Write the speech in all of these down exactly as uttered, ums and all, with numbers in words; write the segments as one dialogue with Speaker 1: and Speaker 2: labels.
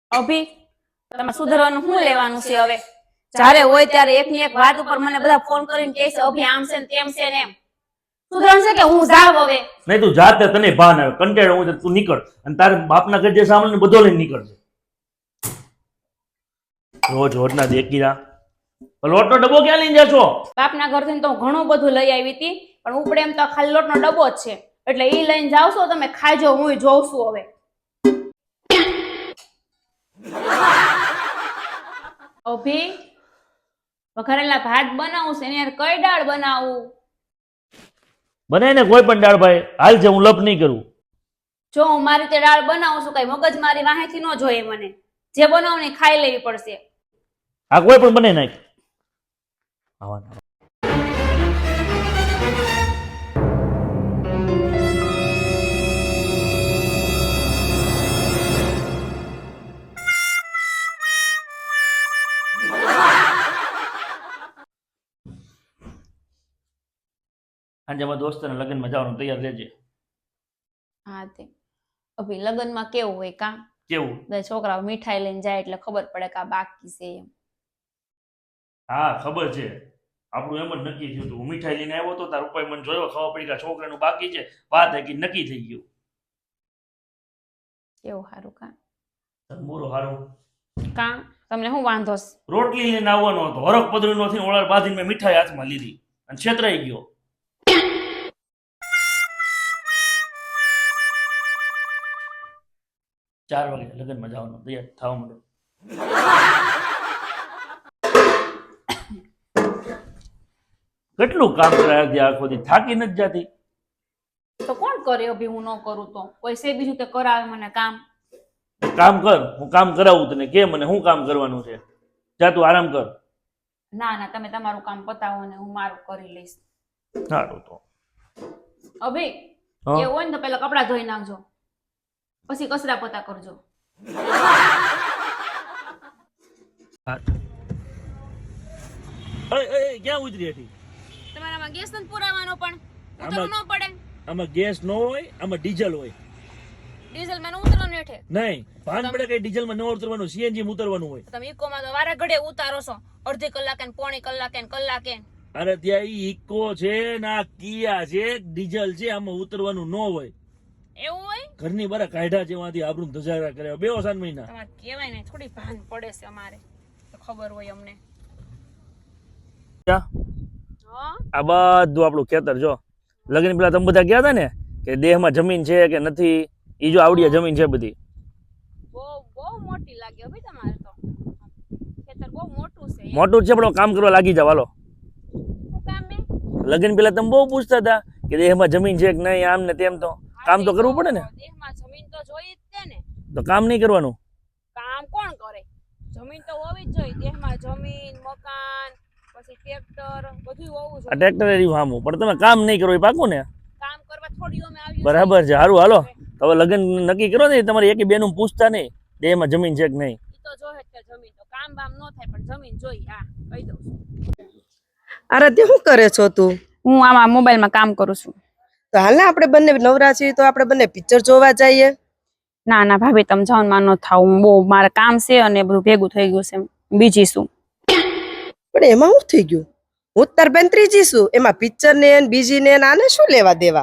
Speaker 1: અભી તમે સુધરવાનું શું લેવાનું છે હવે? જ્યારે હોય ત્યારે એકની એક વાત ઉપર મને બધા ફોન કરીને કહે છે અભી આમ છે ને તેમ છે ને એમ. સુધરણ છે કે હું જાવ હવે?
Speaker 2: નહીં તું જાતે તને ભાન આવે કંટાળો હું તું નીકળ અને તારે બાપના ઘર જે સામાન બધો લઈને નીકળજે. રોજ રોજના દેખીરા લોટનો ડબ્બો ક્યાં લઈને જશો?
Speaker 1: બાપના ઘરથી તો ઘણું બધું લઈ આવી હતી પણ ઉપડે એમ તો ખાલી લોટનો ડબ્બો જ છે એટલે ઈ લઈને જાવ છો તમે ખાજો હું જોઉં છું હવે. અભી વઘારેલા ભાત બનાવું છે ને યાર કઈ દાળ બનાવું?
Speaker 2: બનાય ને કોઈ પણ દાળ ભાઈ હાલ છે હું લપ નહીં કરું.
Speaker 1: જો હું મારી રીતે દાળ બનાવું છું કઈ મગજ મારી વાહેથી ન જોઈએ મને જે બનાવું ને ખાઈ લેવી પડશે.
Speaker 2: આ કોઈ પણ બને નાખ. આવા આજે મારા દોસ્તના લગ્નમાં જવાનું તૈયાર રહેજે.
Speaker 1: હા તે અભી લગ્નમાં કેવું હોય કામ
Speaker 2: કેવું?
Speaker 1: બધા છોકરાઓ મીઠાઈ લઈને જાય એટલે ખબર પડે કે આ બાકી છે એમ.
Speaker 2: હા ખબર છે આપણું એમ જ નક્કી થયું હતું. હું મીઠાઈ લઈને આવ્યો તો તાર ઉપર મને જોયો ખબર પડી કે છોકરાનું બાકી છે વાત હકી નક્કી થઈ ગયું.
Speaker 1: કેવું સારું કામ
Speaker 2: મોરો હારું
Speaker 1: કામ તમને શું વાંધો છે?
Speaker 2: રોટલી લઈને આવવાનો હતો હરક પદરી નો થઈને ઓળાર બાંધીને મેં મીઠાઈ હાથમાં લીધી અને છેતરાઈ ગયો. ચાર વાગે લગ્નમાં જવાનું તૈયાર થવા માંડો. કેટલું કામ કરાયા આખો દી થાકી નથી જાતી?
Speaker 1: તો કોણ કરે અભી હું ન કરું તો? કોઈ છે બીજું તે કરાવે મને કામ?
Speaker 2: કામ કર હું કામ કરાવું તને કે મને શું કામ કરવાનું છે જા તું આરામ કર.
Speaker 1: ના ના તમે તમારું કામ પતાવો ને હું મારું કરી લઈશ.
Speaker 2: સારું તો
Speaker 1: અભી
Speaker 2: હા?
Speaker 1: એવું હોય ને તો પેલા કપડા ધોઈ નાખજો પછી કચરા પોતા કરજો.
Speaker 2: એ એ ક્યાં ઉતરી હતી?
Speaker 1: તમારામાં ગેસ નથી પુરાવાનો પણ
Speaker 2: આમાં-
Speaker 1: ઉતરવું ન પડે.
Speaker 2: આમાં ગેસ ન હોય આમાં ડીઝલ હોય.
Speaker 1: ડીઝલ માં ન ઉતરવાનું હેઠે.
Speaker 2: નહીં ભાન પડે કે ડીઝલમાં ન ઉતરવાનું સીએનજી માં ઉતરવાનું હોય.
Speaker 1: તમે ઇકોમાં તો વારે ઘડે ઉતારો છો અડધી કલાકે ને પોણી કલાકે ને કલાકે.
Speaker 2: અરે ત્યાં ઈ ઇકો છે ના કિયા છે ડીઝલ છે આમાં ઉતરવાનું ન હોય.
Speaker 1: એવું હોય?
Speaker 2: ઘરની બારા કાઢા જેવાથી આબરૂ ધજારા કરે બે ઓસાન મહિના.
Speaker 1: તમારે કહેવાય ને થોડી ભાન પડે છે અમારે તો ખબર હોય અમને. હા
Speaker 2: આ બધું આપણું ખેતર જો લગ્ન પેલા તમે બધા ગયા હતા ને કે દેહમાં જમીન છે કે નથી ઈ જો આવડિયા જમીન છે બધી.
Speaker 1: બહુ બહુ મોટી લાગે ભાઈ તમારે તો ખેતર બહુ મોટું છે.
Speaker 2: મોટું જ છે પણ કામ કરવા લાગી જાવ હાલો.
Speaker 1: શું કામ બે?
Speaker 2: લગ્ન પેલા તમે બહુ પૂછતા હતા કે દેહમાં જમીન છે કે નહીં આમ ને તેમ તો કામ તો કરવું પડે ને.
Speaker 1: દેહમાં જમીન તો જોઈ જ છે ને.
Speaker 2: તો કામ નહીં કરવાનું?
Speaker 1: કામ કોણ કરે? જમીન તો હોવી જ જોઈએ. દેહમાં જમીન મકાન પછી ટ્રેક્ટર બધું હોવું
Speaker 2: આ
Speaker 1: જોઈએ.
Speaker 2: ટ્રેક્ટર એ રહ્યું સામું પણ તમે કામ નહીં કરો એ પાકું ને?
Speaker 1: કામ કરવા થોડી અમે આવી
Speaker 2: બરાબર છે સારું હાલો હવે લગ્ન નક્કી કરો ને તમારે એક બેનું પૂછતા નહીં દેહમાં જમીન છે કે નહીં.
Speaker 1: ઈ તો જોહે જ જમીન તો કામ બામ ન થાય પણ જમીન જોઈ. હા કહી દઉં છું.
Speaker 3: આરાધ્યા શું કરે છો તું?
Speaker 1: હું આમાં મોબાઈલમાં કામ કરું છું.
Speaker 3: તો હાલ ને આપણે બંને નવરા છીએ તો આપણે બંને પિક્ચર જોવા જઈએ.
Speaker 1: ના ના ભાભી તમે જાઓ માં ન થાવ હું બહુ મારે કામ છે અને બધું ભેગું થઈ ગયું છે બીજી શું.
Speaker 3: પણ એમાં શું થઈ ગયું? હું તાર બેન ત્રીજી છું એમાં પિક્ચર ને ને બીજી ને આને શું લેવા દેવા?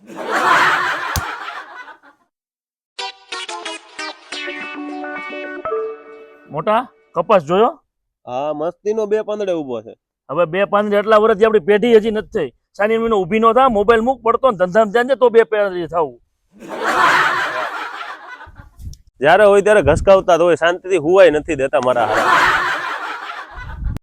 Speaker 2: મોટા કપાસ જોયો?
Speaker 4: હા મસ્તીનો બે પાંદડે ઉભો છે.
Speaker 2: હવે બે પાંદડે એટલા વર્ષથી આપણી પેઢી હજી નથી થઈ. સાની મહિનો ઊભી નો થા મોબાઈલ મૂક પડતો ને ધંધામાં ધ્યાન દે તો બે પેઢી થવું.
Speaker 4: જ્યારે હોય ત્યારે ઘસકાવતા તો હોય શાંતિથી હુવાય નથી દેતા મારા હારા.